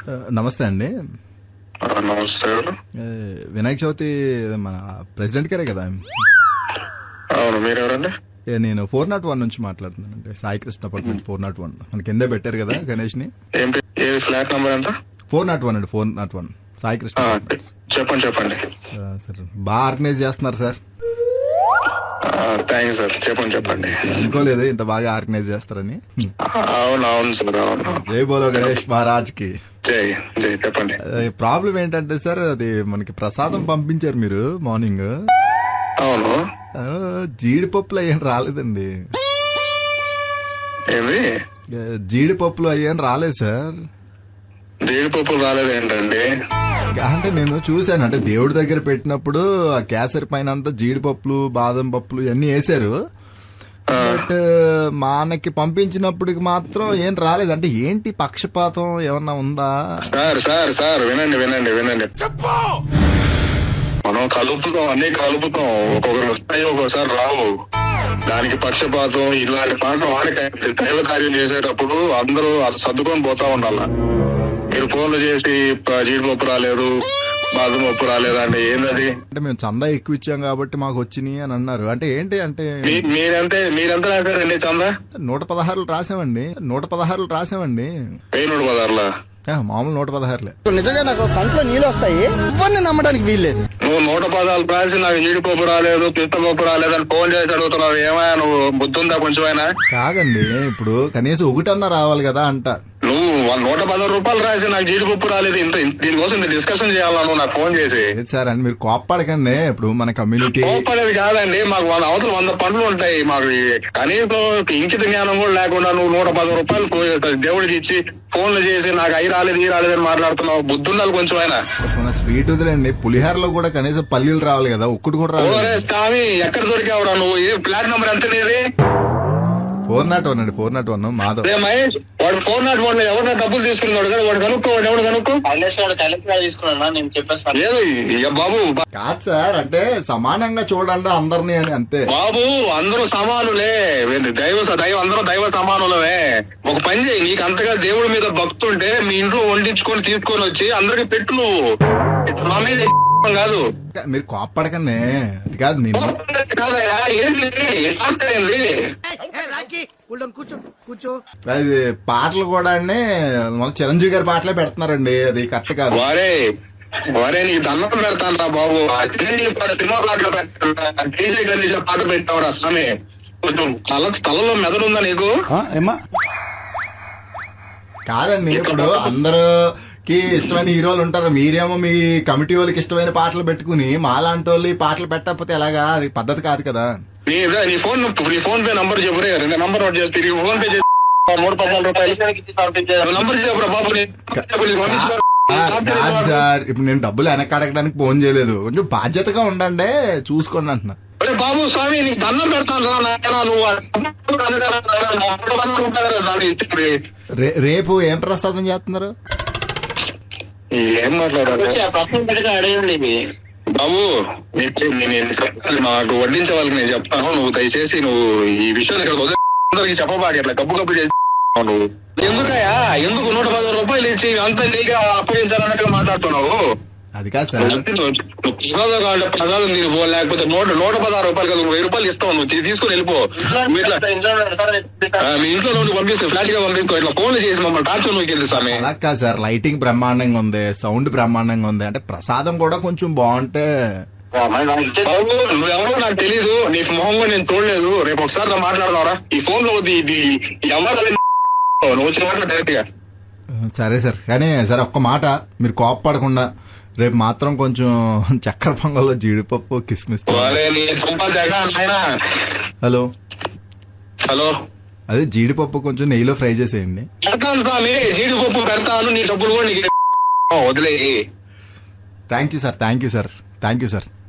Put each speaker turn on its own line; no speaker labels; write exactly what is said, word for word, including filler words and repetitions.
నమస్తే అండి.
నమస్తే.
వినాయక చవితి మన ప్రెసిడెంట్ గారే కదా?
అవును, మీరెవరండి?
నేను ఫోర్ నాట్ వన్ నుంచి మాట్లాడుతున్నానండి. Sai Krishna apartment four nought one మన కిందే పెట్టారు కదా గణేష్ ని.
ఫ్లాట్ నంబర్ ఎంత?
ఫోర్ నాట్ వన్ అండి. Four nought one Sai Krishna.
చెప్పండి చెప్పండి
సార్ బాగా ఆర్గనైజ్ చేస్తున్నారు సార్.
Thanks sir. చెప్పండి చెప్పండి.
అనుకోలేదు ఇంత బాగా ఆర్గనైజ్ చేస్తారని.
అవును అవును సార్, అవును.
జై బోలో గణేష్ మహారాజ్ కి
జై జై. చెప్పండి.
ప్రాబ్లం ఏంటంటే సార్, అది మనకి ప్రసాదం పంపించారు మీరు మార్నింగ్.
అవును.
జీడిపప్పులు అయ్యేం రాలేదండి.
ఏమి?
జీడిపప్పులు అయ్యేం రాలేదు సార్.
జీడిపప్పులు రాలేదు ఏంటండి?
అంటే నేను చూశాను, అంటే దేవుడి దగ్గర పెట్టినప్పుడు ఆ కేసరి పైన అంతా జీడిపప్పులు బాదం పప్పులు ఇవన్నీ వేసారు. బట్ మనకి పంపించినప్పటికి మాత్రం ఏం రాలేదు. అంటే ఏంటి పక్షపాతం ఏమన్నా ఉందా?
సార్ సార్ సార్ వినండి వినండి వినండి. మనం కలుపుతాం, అన్ని కలుపుతాం. ఒక్కొక్కరు వస్తాయి, ఒక్కొక్కసారి రావు. దానికి పక్షపాతం ఇలాంటి పాటలు వాడికి దైవ కార్యం చేసేటప్పుడు అందరూ సర్దుకొని పోతా ఉండాల. మీరు ఫోన్లు చేసి జీడిపప్పు రాలేదు, బాదం పప్పు రాలేదు అంటే ఏంటది?
అంటే మేము చందా ఎక్కువ ఇచ్చాం కాబట్టి మాకు వచ్చినాయి అని అన్నారు. అంటే ఏంటి అంటే
మీరంతే మీరెంత రాశారండి చందా?
నూట పదహారులు రాసామండి. నూట పదహారులు రాసామండి.
వెయ్యి నూట పదహారులా?
మామూలు నూట పదహారులే.
నిజంగా నాకు కంట్లో నీళ్ళు వస్తాయి, ఇవన్నీ నమ్మడానికి వీల్లేదు.
నువ్వు నూట పదాలు రాసి నాకు జీడిపప్పు రాలేదు, పిత్తపప్పు రాలేదు అని ఫోన్ చేసి అడుగుతున్నావు. ఏమైనా నువ్వు బుద్ధుందా కొంచెమైనా?
కాదండి, ఇప్పుడు కనీసం ఒకటన్నా రావాలి కదా అంట.
నువ్వు నూట పదహారు రూపాయలు రాసి నాకు జీడిపప్పు రాలేదు, ఇంత దీనికోసం ఇంత డిస్కషన్ చేయాలా నువ్వు నాకు ఫోన్ చేసి?
సార్ అండి మీరు కోప్పడకండి. ఇప్పుడు మన కమ్యూనిటీ
కోప్పడేది కాదండి. మాకు వంద అవతల వంద పనులు ఉంటాయి. మాకు కనీసం ఇంకిత జ్ఞానం కూడా లేకుండా నువ్వు నూట పది రూపాయలు దేవుడికి ఇచ్చి ఫోన్లు చేసి నాకు అయి రాలేదు ఈ రాలేదు అని మాట్లాడుతున్నావు. బుద్ధుండాలి కొంచెం అయినా.
స్వీట్ వదిలేండి, పులిహారలో కూడా కనీసం పల్లీలు రావాలి కదా, ఒక్కటి కూడా రావాలి.
స్వామి ఎక్కడ దొరికావురా నువ్వు? ఏ ఫ్లాట్ నెంబర్ ఎంత నీది?
ఫోర్ నాట్ వన్ అండి. Four nought one Madhav.
Mahesh వాడు ఫోర్ నాట్ వన్ ఎవరైనా డబ్బులు తీసుకున్నాడు కదా, వాడు కనుక్కో. వాడు ఎవడు కనుక్కో లేదు. ఇక బాబు
కాదు సార్, అంటే సమానంగా చూడండి అందరినీ అని అంతే.
బాబు అందరూ సమానులే, దైవ దైవ అందరూ దైవ సమానులమే. ఒక పని చేయి, నీకు అంతగా దేవుడి మీద భక్తి ఉంటే మీ ఇంట్లో వండించుకొని తీసుకొని వచ్చి అందరికి పెట్టు. నువ్వు మా మీద కాదు.
మీరు కోప్పడకనే. అది కాదు నేను
కాదయా ఏంటి
అది పాటలు కూడా అండి మన చిరంజీవి గారి పాటలే పెడుతున్నారండి. అది కరెక్ట్ కాదు.
వారే వారే నీ దండం పెడతాను రా బాబు. సినిమా పాటలు పెట్టా, డీజే గణేష్ పాట పెట్టావురా స్వామి. కొంచెం తల తలలో మెదడు ఉందా నీకు?
కాదండి, ఇప్పుడు అందరికి ఇష్టమైన హీరోలు ఉంటారు. మీరేమో మీ కమిటీ వాళ్ళకి ఇష్టమైన పాటలు పెట్టుకుని మాలాంటి వాళ్ళు ఈ పాటలు పెట్టకపోతే ఎలాగా? అది పద్ధతి కాదు కదా.
నీ నీ ఫోన్ నీ ఫోన్ పే నంబర్ చెప్పురే. రెండు నంబర్ నోట్ చేస్తే ఫోన్ పే చేసి మూడు పద్నాలుగు రూపాయలు నంబర్ చెప్పురా బాబు.
సార్ ఇప్పుడు నేను డబ్బులు వెనక్కి అడగడానికి ఫోన్ చేయలేదు. కొంచెం బాధ్యతగా ఉండండి, చూసుకోండి అంటున్నా.
బాబు స్వామి నీకు దండం పెడతాను రా. నువ్వు
రేపు ఏం ప్రసాదం చేస్తున్నారు?
ఏం మాట్లాడారు బాబు? నాకు వడ్డించే వాళ్ళకి నేను చెప్తాను. నువ్వు దయచేసి నువ్వు ఈ విషయాన్ని ఇక్కడ అందరికి చెప్పబాకి అట్లా గబ్బు గబ్బు చేసి నువ్వు ఎందుకయ్యా? ఎందుకు నూట పదహారు రూపాయలు ఇచ్చి అంత నీగా అప్పగించాలన్నట్టుగా మాట్లాడుతున్నావు?
అది కాదు సార్,
ప్రసాదం కావాలంటే ప్రసాదం తినిపో, లేకపోతే నూట నూట పదహారు రూపాయలు కదా వెయ్యి రూపాయలు ఇస్తావు. నువ్వు తీసుకుని వెళ్ళిపో. మీ ఇంట్లో నువ్వు పంపిస్తావు, ఫ్లాట్ గా పంపిస్తావు. ఇట్లా ఫోన్లు చేసి మమ్మల్ని టార్చర్ నువ్వు వెళ్తే స్వామి.
అలా కాదు సార్, లైటింగ్ బ్రహ్మాండంగా ఉంది, సౌండ్ బ్రహ్మాండంగా ఉంది. అంటే ప్రసాదం కూడా కొంచెం బాగుంటే.
నువ్వెవరో నాకు తెలీదు, నీ మొహం కూడా నేను చూడలేదు. రేపు ఒకసారి మాట్లాడదావరా ఈ ఫోన్ లో. ఇది ఎవరు నువ్వు వచ్చిన మాట డైరెక్ట్ గా.
సరే సార్, కానీ సరే ఒక్క మాట, మీరు కోప్పడకుండా రేపు మాత్రం కొంచెం చక్కెర పొంగల్లో జీడిపప్పు కిస్మిస్. హలో
హలో
అదే జీడిపప్పు కొంచెం నెయ్యిలో ఫ్రై చేసేయండి.
పెడతాను స్వామి, జీడిపప్పు పెడతాను. నీ డబ్బులు కూడా నీకు వదిలేయి.
Thank you sir, thank you sir, thank you sir.